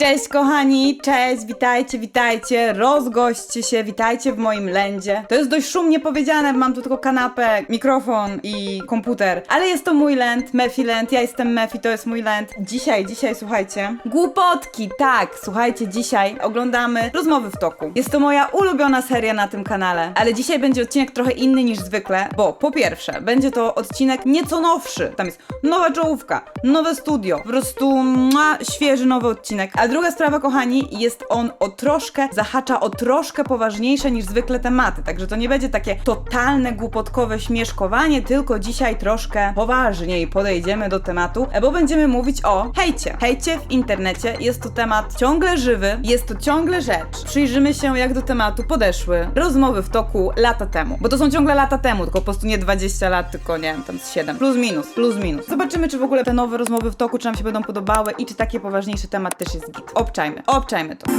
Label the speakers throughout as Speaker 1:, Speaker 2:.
Speaker 1: Cześć kochani, cześć, witajcie, witajcie, rozgośćcie się, witajcie w moim lędzie. To jest dość szumnie powiedziane, mam tu tylko kanapę, mikrofon i komputer, ale jest to mój lęd, Mefi Land, ja jestem Mefi, to jest mój lęd. Dzisiaj, słuchajcie, głupotki, tak, słuchajcie, dzisiaj oglądamy Rozmowy w toku. Jest to moja ulubiona seria na tym kanale, ale dzisiaj będzie odcinek trochę inny niż zwykle, bo po pierwsze, będzie to odcinek nieco nowszy, tam jest nowa czołówka, nowe studio, po prostu świeży nowy odcinek. A druga sprawa, kochani, jest on zahacza o troszkę poważniejsze niż zwykle tematy, także to nie będzie takie totalne, głupotkowe śmieszkowanie, tylko dzisiaj troszkę poważniej podejdziemy do tematu, bo będziemy mówić o hejcie. Hejcie w internecie, jest to temat ciągle żywy, jest to ciągle rzecz. Przyjrzymy się, jak do tematu podeszły rozmowy w toku lata temu, bo to są ciągle lata temu, tylko po prostu nie 20 lat, tylko nie wiem, tam z 7, plus minus. Zobaczymy, czy w ogóle te nowe rozmowy w toku, czy nam się będą podobały i czy taki poważniejszy temat też jest git. Obczajmy to.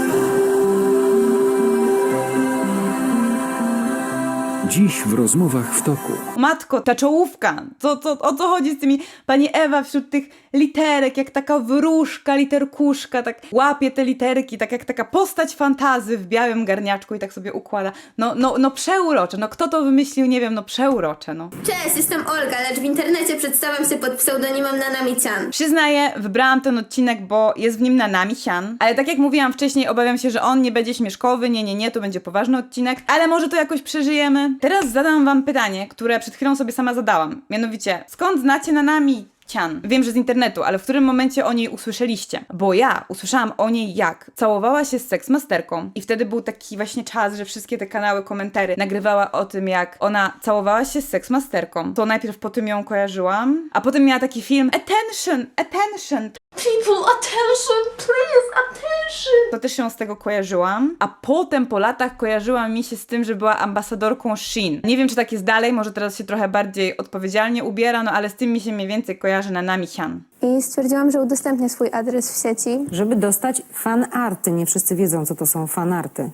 Speaker 2: Dziś w Rozmowach w toku.
Speaker 1: Matko, ta czołówka, o co chodzi z tymi, pani Ewa wśród tych literek, jak taka wróżka, literkuszka, tak łapie te literki, tak jak taka postać fantazy w białym garniaczku i tak sobie układa. No przeurocze, no kto to wymyślił, nie wiem, no przeurocze, no.
Speaker 3: Cześć, jestem Olga, lecz w internecie przedstawiam się pod pseudonimem Nanami-chan.
Speaker 1: Przyznaję, wybrałam ten odcinek, bo jest w nim Nanami-chan, ale tak jak mówiłam wcześniej, obawiam się, że on nie będzie śmieszkowy, nie, to będzie poważny odcinek, ale może to jakoś przeżyjemy. Teraz zadam wam pytanie, które przed chwilą sobie sama zadałam, mianowicie, skąd znacie Nanami-chan? Wiem, że z internetu, ale w którym momencie o niej usłyszeliście? Bo ja usłyszałam o niej, jak całowała się z seksmasterką i wtedy był taki właśnie czas, że wszystkie te kanały, komentary nagrywała o tym, jak ona całowała się z seksmasterką. To najpierw po tym ją kojarzyłam, a potem miała taki film Attention!
Speaker 3: People, attention, please, attention!
Speaker 1: To też się z tego kojarzyłam, a potem po latach kojarzyła mi się z tym, że była ambasadorką Shein. Nie wiem, czy tak jest dalej, może teraz się trochę bardziej odpowiedzialnie ubiera, no ale z tym mi się mniej więcej kojarzy Nanami-chan.
Speaker 4: I stwierdziłam, że udostępnię swój adres w sieci.
Speaker 5: Żeby dostać fanarty. Nie wszyscy wiedzą, co to są fanarty.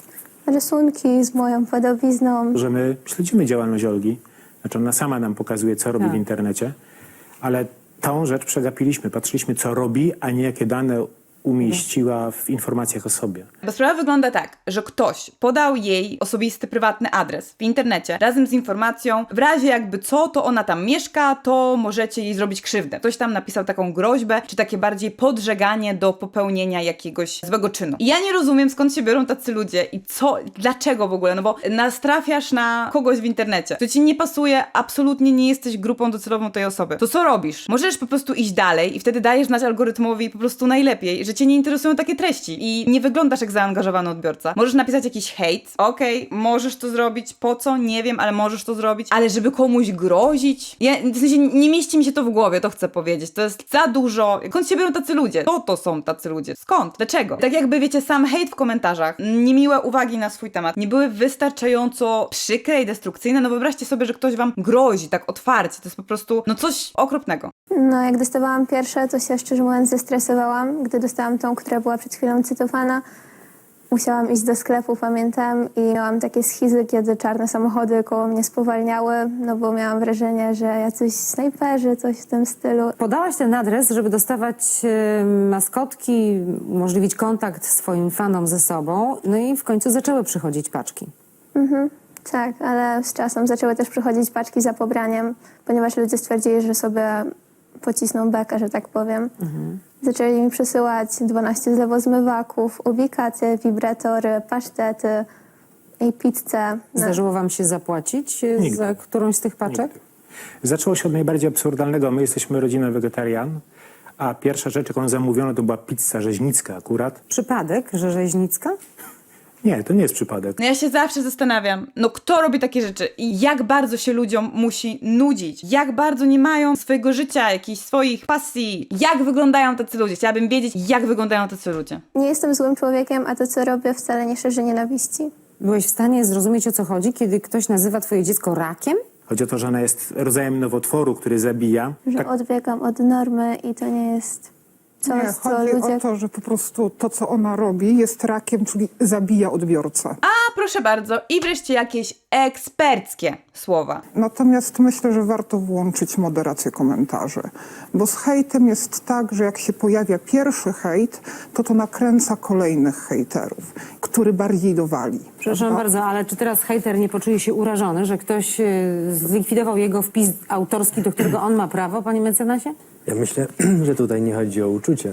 Speaker 4: Rysunki z moją podobizną.
Speaker 6: Że my śledzimy działalność Olgi, znaczy ona sama nam pokazuje, co robi w internecie, ale tą rzecz przegapiliśmy, patrzyliśmy, co robi, a nie jakie dane umieściła w informacjach o sobie.
Speaker 1: Bo sprawa wygląda tak, że ktoś podał jej osobisty, prywatny adres w internecie razem z informacją, w razie jakby co, to ona tam mieszka, to możecie jej zrobić krzywdę. Ktoś tam napisał taką groźbę, czy takie bardziej podżeganie do popełnienia jakiegoś złego czynu. I ja nie rozumiem, skąd się biorą tacy ludzie i dlaczego w ogóle, no bo natrafiasz na kogoś w internecie, to ci nie pasuje, absolutnie nie jesteś grupą docelową tej osoby. To co robisz? Możesz po prostu iść dalej i wtedy dajesz znać algorytmowi po prostu najlepiej, że cię nie interesują takie treści i nie wyglądasz jak zaangażowany odbiorca. Możesz napisać jakiś hejt, okej, możesz to zrobić, po co? Nie wiem, ale możesz to zrobić, ale żeby komuś grozić? W sensie nie mieści mi się to w głowie, to chcę powiedzieć. To jest za dużo. Skąd się biorą tacy ludzie? Co to są tacy ludzie? Skąd? Dlaczego? Tak jakby, wiecie, sam hejt w komentarzach, niemiłe uwagi na swój temat, nie były wystarczająco przykre i destrukcyjne. No wyobraźcie sobie, że ktoś wam grozi tak otwarcie. To jest po prostu, coś okropnego.
Speaker 4: No, jak dostawałam pierwsze, to się szczerze mówiąc zestresowałam. Gdy dostałam tą, która była przed chwilą cytowana, musiałam iść do sklepu, pamiętam, i miałam takie schizy, kiedy czarne samochody koło mnie spowalniały, no bo miałam wrażenie, że jacyś snajperzy, coś w tym stylu.
Speaker 5: Podałaś ten adres, żeby dostawać maskotki, umożliwić kontakt swoim fanom ze sobą, no i w końcu zaczęły przychodzić paczki.
Speaker 4: Tak, ale z czasem zaczęły też przychodzić paczki za pobraniem, ponieważ ludzie stwierdzili, że sobie pocisną bekę, że tak powiem. Zaczęli mi przesyłać 12 zlewozmywaków, ubikaty, wibratory, pasztety i pizzę.
Speaker 5: Zdarzyło wam się zapłacić
Speaker 6: Nigdy.
Speaker 5: za którąś z tych paczek?
Speaker 6: Nigdy. Zaczęło się od najbardziej absurdalnego. My jesteśmy rodziną wegetarian, a pierwsza rzecz, jaką zamówiono, to była pizza rzeźnicka akurat.
Speaker 5: Przypadek, że rzeźnicka?
Speaker 6: Nie, to nie jest przypadek.
Speaker 1: No ja się zawsze zastanawiam, kto robi takie rzeczy i jak bardzo się ludziom musi nudzić, jak bardzo nie mają swojego życia, jakichś swoich pasji, jak wyglądają tacy ludzie. Chciałabym wiedzieć, jak wyglądają tacy ludzie.
Speaker 4: Nie jestem złym człowiekiem, a to, co robię, wcale nie szerzy nienawiści.
Speaker 5: Byłeś w stanie zrozumieć, o co chodzi, kiedy ktoś nazywa twoje dziecko rakiem?
Speaker 6: Chodzi o to, że ona jest rodzajem nowotworu, który zabija.
Speaker 4: Że
Speaker 6: Tak,
Speaker 4: odbiegam od normy i to nie jest coś,
Speaker 7: Nie,
Speaker 4: co
Speaker 7: chodzi
Speaker 4: ludzie...
Speaker 7: o to, że po prostu to, co ona robi, jest rakiem, czyli zabija odbiorcę.
Speaker 1: A proszę bardzo, i wreszcie jakieś eksperckie słowa.
Speaker 7: Natomiast myślę, że warto włączyć moderację komentarzy, bo z hejtem jest tak, że jak się pojawia pierwszy hejt, to nakręca kolejnych hejterów, który bardziej dowali.
Speaker 5: Przepraszam bardzo, ale czy teraz hejter nie poczuje się urażony, że ktoś zlikwidował jego wpis autorski, do którego on ma prawo, panie mecenasie?
Speaker 8: Ja myślę, że tutaj nie chodzi o uczucie.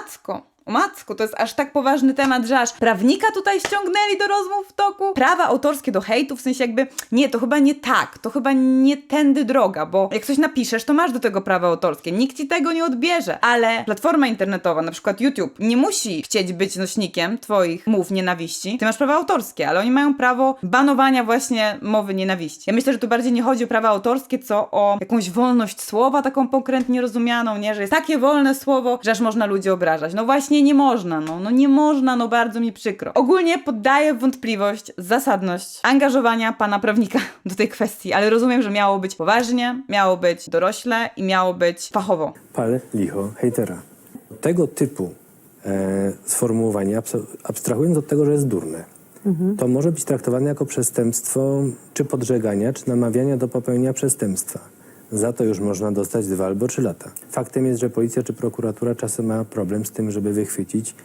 Speaker 1: O matko, to jest aż tak poważny temat, że aż prawnika tutaj ściągnęli do rozmów w toku. Prawa autorskie do hejtu, w sensie jakby, nie, to chyba nie tak, to chyba nie tędy droga, bo jak coś napiszesz, to masz do tego prawa autorskie, nikt ci tego nie odbierze, ale platforma internetowa, na przykład YouTube, nie musi chcieć być nośnikiem twoich mów nienawiści, ty masz prawa autorskie, ale oni mają prawo banowania właśnie mowy nienawiści. Ja myślę, że tu bardziej nie chodzi o prawa autorskie, co o jakąś wolność słowa, taką pokrętnie rozumianą, nie, że jest takie wolne słowo, że aż można ludzi obrażać. No właśnie nie można, no nie można, no bardzo mi przykro. Ogólnie poddaję w wątpliwość zasadność angażowania pana prawnika do tej kwestii, ale rozumiem, że miało być poważnie, miało być dorośle i miało być fachowo.
Speaker 8: Pal licho hejtera. Tego typu sformułowanie, abstrahując od tego, że jest durne, to może być traktowane jako przestępstwo czy podżegania, czy namawiania do popełnienia przestępstwa. Za to już można dostać 2 albo 3 lata. Faktem jest, że policja czy prokuratura czasem ma problem z tym, żeby wychwycić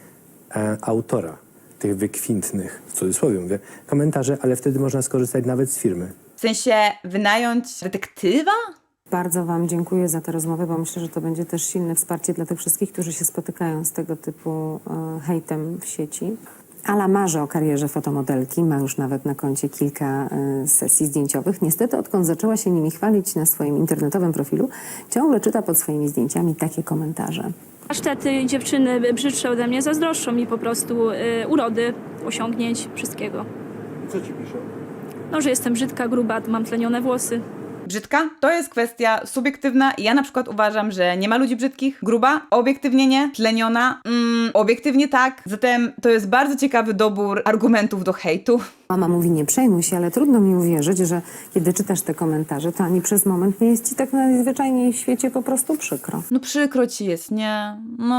Speaker 8: autora tych wykwintnych, w cudzysłowie mówię, komentarzy, ale wtedy można skorzystać nawet z firmy.
Speaker 1: W sensie wynająć detektywa?
Speaker 5: Bardzo wam dziękuję za tę rozmowę, bo myślę, że to będzie też silne wsparcie dla tych wszystkich, którzy się spotykają z tego typu hejtem w sieci. Ala marzy o karierze fotomodelki, ma już nawet na koncie kilka sesji zdjęciowych. Niestety, odkąd zaczęła się nimi chwalić na swoim internetowym profilu, ciągle czyta pod swoimi zdjęciami takie komentarze.
Speaker 9: Pasztety dziewczyny brzydsze ode mnie zazdroszczą mi po prostu urody, osiągnięć, wszystkiego.
Speaker 10: Co ci piszą?
Speaker 9: No, że jestem brzydka, gruba, mam tlenione włosy.
Speaker 1: Brzydka? To jest kwestia subiektywna i ja na przykład uważam, że nie ma ludzi brzydkich. Gruba? Obiektywnie nie. Tleniona? Obiektywnie tak. Zatem to jest bardzo ciekawy dobór argumentów do hejtu.
Speaker 5: Mama mówi, nie przejmuj się, ale trudno mi uwierzyć, że kiedy czytasz te komentarze, to ani przez moment nie jest ci tak najzwyczajniej w świecie po prostu przykro.
Speaker 1: No przykro ci jest, nie?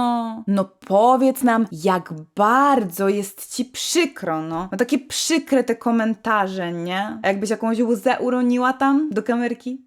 Speaker 1: No powiedz nam, jak bardzo jest ci przykro, no. No takie przykre te komentarze, nie? A jakbyś jakąś łzę uroniła tam do kamerki?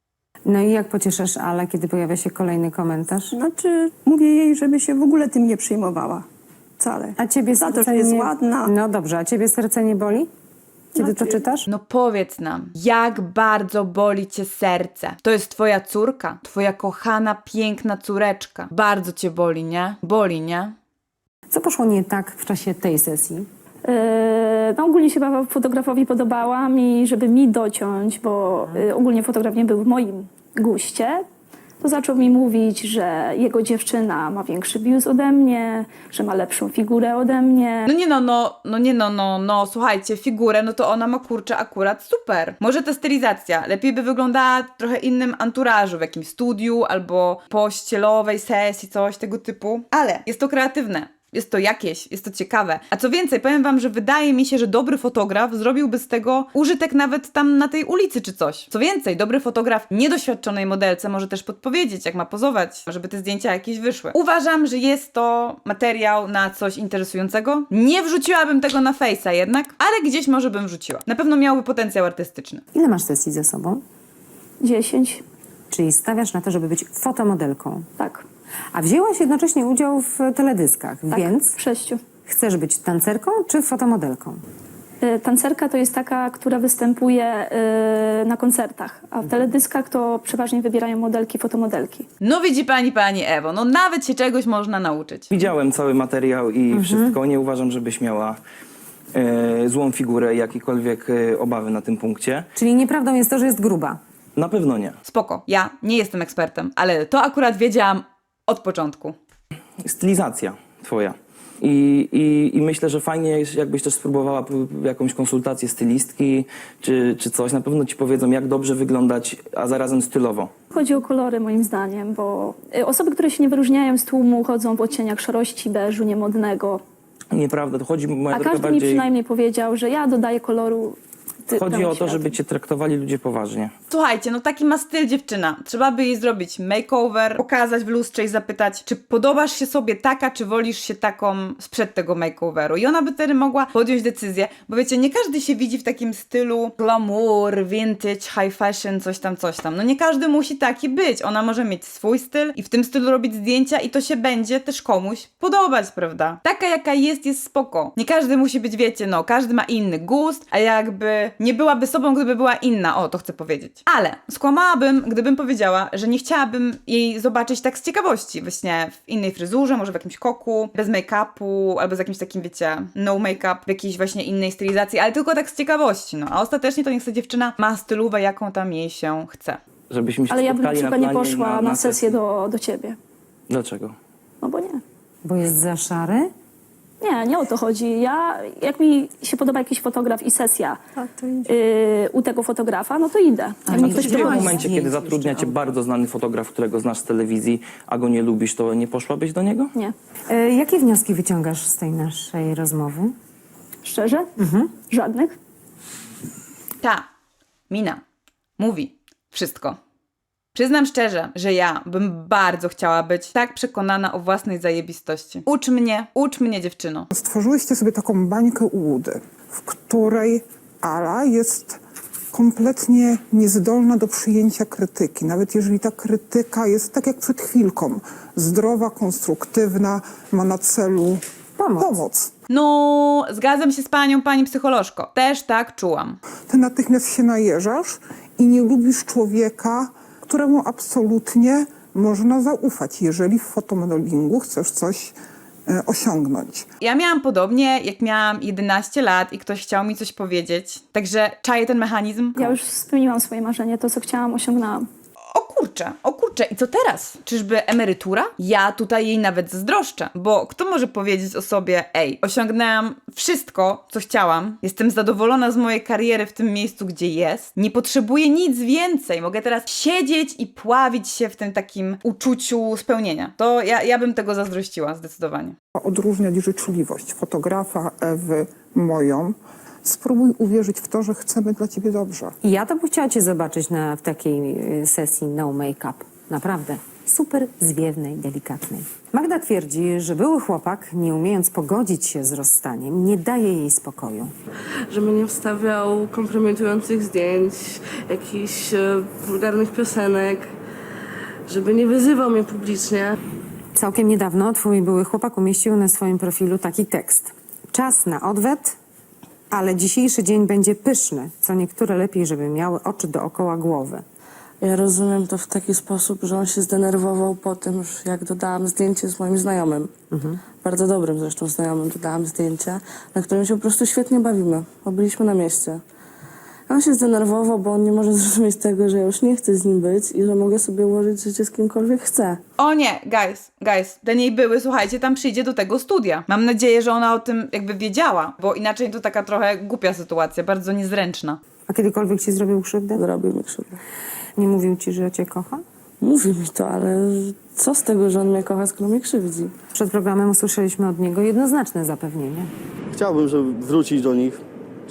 Speaker 5: No i jak pocieszasz Ale, kiedy pojawia się kolejny komentarz?
Speaker 11: Znaczy, mówię jej, żeby się w ogóle tym nie przejmowała. Wcale.
Speaker 5: A ciebie
Speaker 11: Za to,
Speaker 5: serce
Speaker 11: że jest
Speaker 5: nie...
Speaker 11: ładna.
Speaker 5: No dobrze, a ciebie serce nie boli? Kiedy to czytasz?
Speaker 1: No powiedz nam, jak bardzo boli cię serce. To jest twoja córka, twoja kochana, piękna córeczka. Bardzo cię boli, nie? Boli, nie?
Speaker 5: Co poszło nie tak w czasie tej sesji?
Speaker 9: No ogólnie się fotografowi podobała mi, żeby mi dociąć, bo ogólnie fotograf nie był w moim guście. To zaczął mi mówić, że jego dziewczyna ma większy biust ode mnie, że ma lepszą figurę ode mnie.
Speaker 1: Słuchajcie, figurę, no to ona ma kurczę akurat super. Może ta stylizacja lepiej by wyglądała w trochę innym anturażu, w jakimś studiu albo pościelowej sesji, coś tego typu. Ale jest to kreatywne. Jest to jakieś, jest to ciekawe. A co więcej, powiem wam, że wydaje mi się, że dobry fotograf zrobiłby z tego użytek nawet tam na tej ulicy czy coś. Co więcej, dobry fotograf niedoświadczonej modelce może też podpowiedzieć, jak ma pozować, żeby te zdjęcia jakieś wyszły. Uważam, że jest to materiał na coś interesującego. Nie wrzuciłabym tego na Face'a jednak, ale gdzieś może bym wrzuciła. Na pewno miałby potencjał artystyczny.
Speaker 5: Ile masz sesji ze sobą?
Speaker 9: 10.
Speaker 5: Czyli stawiasz na to, żeby być fotomodelką.
Speaker 9: Tak.
Speaker 5: A wzięłaś jednocześnie udział w teledyskach,
Speaker 9: Tak,
Speaker 5: więc
Speaker 9: w 6.
Speaker 5: chcesz być tancerką czy fotomodelką?
Speaker 9: Tancerka to jest taka, która występuje na koncertach, a w teledyskach to przeważnie wybierają modelki, fotomodelki.
Speaker 1: No widzi pani Ewo, no nawet się czegoś można nauczyć.
Speaker 10: Widziałem cały materiał i wszystko. Nie uważam, żebyś miała złą figurę, jakiekolwiek obawy na tym punkcie.
Speaker 5: Czyli nieprawdą jest to, że jest gruba.
Speaker 10: Na pewno nie.
Speaker 1: Spoko, ja nie jestem ekspertem, ale to akurat wiedziałam od początku.
Speaker 10: Stylizacja twoja. I myślę, że fajnie jest, jakbyś też spróbowała jakąś konsultację stylistki czy coś. Na pewno ci powiedzą, jak dobrze wyglądać, a zarazem stylowo.
Speaker 9: Chodzi o kolory moim zdaniem, bo osoby, które się nie wyróżniają z tłumu, chodzą w odcieniach szarości, beżu, niemodnego.
Speaker 10: Nieprawda, to chodzi moja
Speaker 9: A
Speaker 10: droga
Speaker 9: każdy mi
Speaker 10: bardziej...
Speaker 9: przynajmniej powiedział, że ja dodaję koloru
Speaker 10: Chodzi o to, żeby cię traktowali ludzie poważnie.
Speaker 1: Słuchajcie, no taki ma styl dziewczyna. Trzeba by jej zrobić makeover, pokazać w lustrze i zapytać, czy podobasz się sobie taka, czy wolisz się taką sprzed tego makeoveru. I ona by wtedy mogła podjąć decyzję, bo wiecie, nie każdy się widzi w takim stylu glamour, vintage, high fashion, coś tam, coś tam. No nie każdy musi taki być. Ona może mieć swój styl i w tym stylu robić zdjęcia i to się będzie też komuś podobać, prawda? Taka jaka jest spoko. Nie każdy musi być, wiecie, no, każdy ma inny gust, a jakby nie byłaby sobą, gdyby była inna. O, to chcę powiedzieć. Ale skłamałabym, gdybym powiedziała, że nie chciałabym jej zobaczyć tak z ciekawości, właśnie w innej fryzurze, może w jakimś koku, bez make-upu, albo z jakimś takim, wiecie, no make-up, w jakiejś właśnie innej stylizacji, ale tylko tak z ciekawości, no. A ostatecznie to niech ta dziewczyna ma stylówę, jaką tam jej się chce.
Speaker 10: Żebyśmy się
Speaker 9: Ale ja bym na
Speaker 10: spotkali
Speaker 9: przykład nie
Speaker 10: planie
Speaker 9: poszła na sesję do ciebie.
Speaker 10: Dlaczego?
Speaker 9: No bo nie.
Speaker 5: Bo jest za szary?
Speaker 9: Nie o to chodzi. Jak mi się podoba jakiś fotograf i sesja u tego fotografa, no to idę. Jak mi
Speaker 10: A
Speaker 9: ktoś
Speaker 10: w tym
Speaker 9: prowadzi.
Speaker 10: momencie, kiedy zatrudnia cię bardzo znany fotograf, którego znasz z telewizji, a go nie lubisz, to nie poszłabyś do niego?
Speaker 9: Nie.
Speaker 5: Jakie wnioski wyciągasz z tej naszej rozmowy?
Speaker 9: Szczerze? Żadnych.
Speaker 1: Ta Mina mówi wszystko. Przyznam szczerze, że ja bym bardzo chciała być tak przekonana o własnej zajebistości. Ucz mnie dziewczyno.
Speaker 7: Stworzyłyście sobie taką bańkę ułudy, w której Ala jest kompletnie niezdolna do przyjęcia krytyki. Nawet jeżeli ta krytyka jest, tak jak przed chwilką, zdrowa, konstruktywna, ma na celu pomoc.
Speaker 1: No, zgadzam się z panią, pani psycholożko. Też tak czułam.
Speaker 7: Ty natychmiast się najeżasz i nie lubisz człowieka, któremu absolutnie można zaufać, jeżeli w fotomodelingu chcesz coś osiągnąć.
Speaker 1: Ja miałam podobnie, jak miałam 11 lat i ktoś chciał mi coś powiedzieć. Także czaję ten mechanizm.
Speaker 9: Ja już spełniłam swoje marzenie, to co chciałam, osiągnęłam.
Speaker 1: O kurczę, i co teraz? Czyżby emerytura? Ja tutaj jej nawet zazdroszczę, bo kto może powiedzieć o sobie, ej, osiągnęłam wszystko, co chciałam, jestem zadowolona z mojej kariery w tym miejscu, gdzie jest, nie potrzebuję nic więcej, mogę teraz siedzieć i pławić się w tym takim uczuciu spełnienia. To ja bym tego zazdrościła, zdecydowanie.
Speaker 7: Odróżniać życzliwość fotografa, Ewy, moją. Spróbuj uwierzyć w to, że chcemy dla ciebie dobrze.
Speaker 5: I ja to bym chciała cię zobaczyć w takiej sesji no make-up. Naprawdę. Super zwiewnej, delikatnej. Magda twierdzi, że były chłopak, nie umiejąc pogodzić się z rozstaniem, nie daje jej spokoju.
Speaker 12: Żeby nie wstawiał kompromitujących zdjęć, jakichś wulgarnych piosenek, żeby nie wyzywał mnie publicznie.
Speaker 5: Całkiem niedawno twój były chłopak umieścił na swoim profilu taki tekst. Czas na odwet, ale dzisiejszy dzień będzie pyszny, co niektóre lepiej, żeby miały oczy dookoła głowy.
Speaker 12: Ja rozumiem to w taki sposób, że on się zdenerwował po tym, jak dodałam zdjęcie z moim znajomym. Bardzo dobrym zresztą znajomym dodałam zdjęcie, na którym się po prostu świetnie bawimy, bo byliśmy na mieście. On się zdenerwował, bo on nie może zrozumieć tego, że ja już nie chcę z nim być i że mogę sobie ułożyć życie z kimkolwiek chcę.
Speaker 1: O nie, guys, ten jej były, słuchajcie, tam przyjdzie do tego studia. Mam nadzieję, że ona o tym jakby wiedziała, bo inaczej to taka trochę głupia sytuacja, bardzo niezręczna.
Speaker 5: A kiedykolwiek ci zrobił krzywdę?
Speaker 12: Zrobił mi krzywdę.
Speaker 5: Nie mówił ci, że cię kocha?
Speaker 12: Mówi mi to, ale co z tego, że on mnie kocha, skoro mnie krzywdzi?
Speaker 5: Przed programem usłyszeliśmy od niego jednoznaczne zapewnienie.
Speaker 13: Chciałbym, żeby wrócić do nich.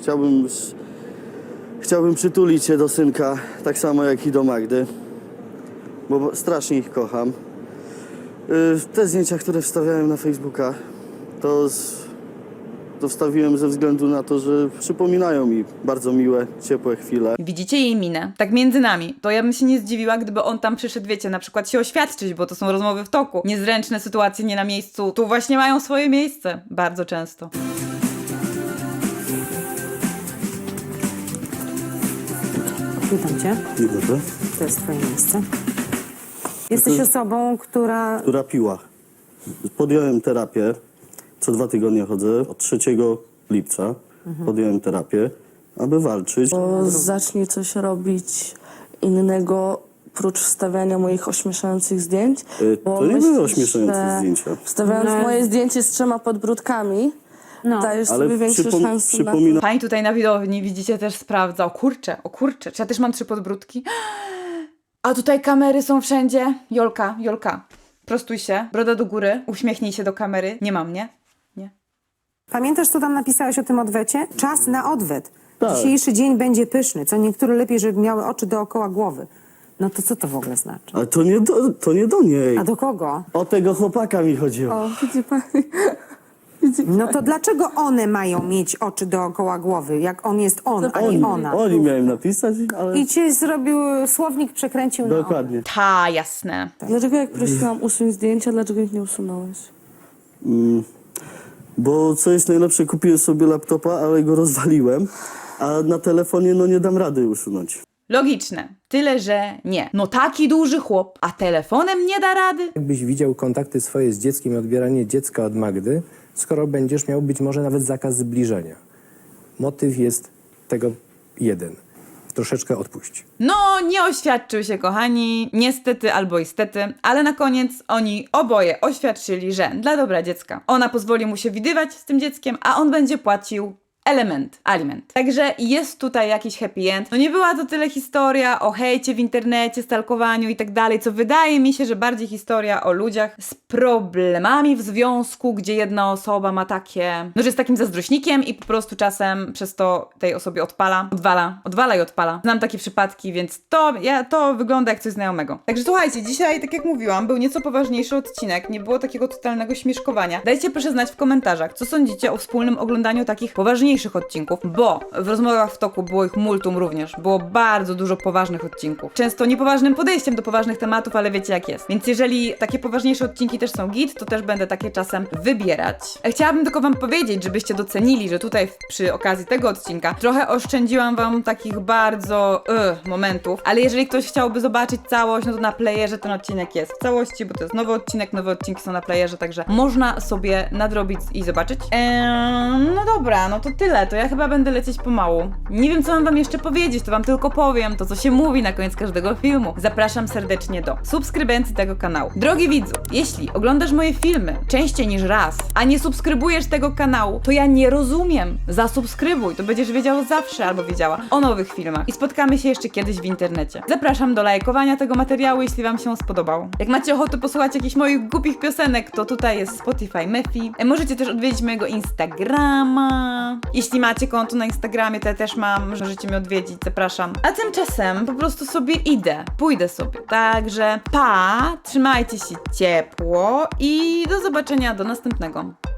Speaker 13: Chciałbym przytulić się do synka, tak samo jak i do Magdy, bo strasznie ich kocham. Te zdjęcia, które wstawiałem na Facebooka, to wstawiłem ze względu na to, że przypominają mi bardzo miłe, ciepłe chwile.
Speaker 1: Widzicie jej minę? Tak między nami. To ja bym się nie zdziwiła, gdyby on tam przyszedł, wiecie, na przykład się oświadczyć, bo to są rozmowy w toku. Niezręczne sytuacje nie na miejscu. Tu właśnie mają swoje miejsce. Bardzo często.
Speaker 5: Witam cię.
Speaker 13: Dzień dobry.
Speaker 5: To jest twoje miejsce. Jesteś osobą, która...
Speaker 13: Która piła. Podjąłem terapię. Co 2 tygodnie chodzę. Od 3 lipca podjąłem terapię, aby walczyć.
Speaker 12: Bo zacznij coś robić innego, prócz wstawiania moich ośmieszających zdjęć. Bo
Speaker 13: To nie
Speaker 12: myślisz,
Speaker 13: były ośmieszające
Speaker 12: że
Speaker 13: zdjęcia.
Speaker 12: Wstawiając moje zdjęcie z 3 podbródkami, dajesz
Speaker 13: Ale
Speaker 12: sobie większe szanse na to.
Speaker 1: Pani tutaj na widowni, widzicie, też sprawdza. O kurczę, czy ja też mam 3 podbródki? A tutaj kamery są wszędzie. Jolka, prostuj się, broda do góry, uśmiechnij się do kamery. Nie mam, nie? Nie.
Speaker 5: Pamiętasz, co tam napisałeś o tym odwecie? Czas na odwet.
Speaker 13: Tak.
Speaker 5: Dzisiejszy dzień będzie pyszny, co niektóre lepiej, żeby miały oczy dookoła głowy. No to co to w ogóle znaczy?
Speaker 13: Ale to nie do niej.
Speaker 5: A do kogo?
Speaker 13: O tego chłopaka mi chodziło.
Speaker 12: O, widzi pani.
Speaker 5: No to dlaczego one mają mieć oczy dookoła głowy, jak on jest on, a nie ona?
Speaker 13: Oni miałem napisać, ale...
Speaker 5: I ci zrobił słownik, przekręcił na on.
Speaker 13: Dokładnie.
Speaker 1: Ta, jasne.
Speaker 12: Dlaczego jak prosiłam usuń zdjęcia, dlaczego ich nie usunąłeś?
Speaker 13: Bo co jest najlepsze, kupiłem sobie laptopa, ale go rozwaliłem, a na telefonie nie dam rady usunąć.
Speaker 1: Logiczne. Tyle, że nie. No taki duży chłop, a telefonem nie da rady?
Speaker 8: Jakbyś widział kontakty swoje z dzieckiem i odbieranie dziecka od Magdy, skoro będziesz miał być może nawet zakaz zbliżenia. Motyw jest tego jeden. Troszeczkę odpuść.
Speaker 1: No, nie oświadczył się, kochani, niestety albo istety, ale na koniec oni oboje oświadczyli, że dla dobra dziecka ona pozwoli mu się widywać z tym dzieckiem, a on będzie płacił aliment. Także jest tutaj jakiś happy end. No nie była to tyle historia o hejcie w internecie, stalkowaniu i tak dalej, co wydaje mi się, że bardziej historia o ludziach z problemami w związku, gdzie jedna osoba ma takie, no że jest takim zazdrośnikiem i po prostu czasem przez to tej osobie odwala i odpala. Znam takie przypadki, więc to wygląda jak coś znajomego. Także słuchajcie, dzisiaj, tak jak mówiłam, był nieco poważniejszy odcinek, nie było takiego totalnego śmieszkowania. Dajcie proszę znać w komentarzach, co sądzicie o wspólnym oglądaniu takich poważniejszych odcinków, bo w rozmowach w toku było ich multum również. Było bardzo dużo poważnych odcinków. Często niepoważnym podejściem do poważnych tematów, ale wiecie jak jest. Więc jeżeli takie poważniejsze odcinki też są git, to też będę takie czasem wybierać. Chciałabym tylko wam powiedzieć, żebyście docenili, że tutaj przy okazji tego odcinka trochę oszczędziłam wam takich bardzo momentów, ale jeżeli ktoś chciałby zobaczyć całość, no to na playerze ten odcinek jest w całości, bo to jest nowy odcinek, nowe odcinki są na playerze, także można sobie nadrobić i zobaczyć. No dobra, no to tyle. To ja chyba będę lecieć pomału. Nie wiem, co mam wam jeszcze powiedzieć, to wam tylko powiem to, co się mówi na koniec każdego filmu. Zapraszam serdecznie do subskrybencji tego kanału. Drogi widzu, jeśli oglądasz moje filmy częściej niż raz, a nie subskrybujesz tego kanału, to ja nie rozumiem. Zasubskrybuj, to będziesz wiedział zawsze albo wiedziała o nowych filmach i spotkamy się jeszcze kiedyś w internecie. Zapraszam do lajkowania tego materiału, jeśli wam się spodobał. Jak macie ochotę posłuchać jakichś moich głupich piosenek, to tutaj jest Spotify Mefi. Możecie też odwiedzić mojego Instagrama. Jeśli macie konto na Instagramie, to ja też mam, możecie mnie odwiedzić, zapraszam. A tymczasem po prostu sobie pójdę sobie. Także pa, trzymajcie się ciepło i do zobaczenia do następnego.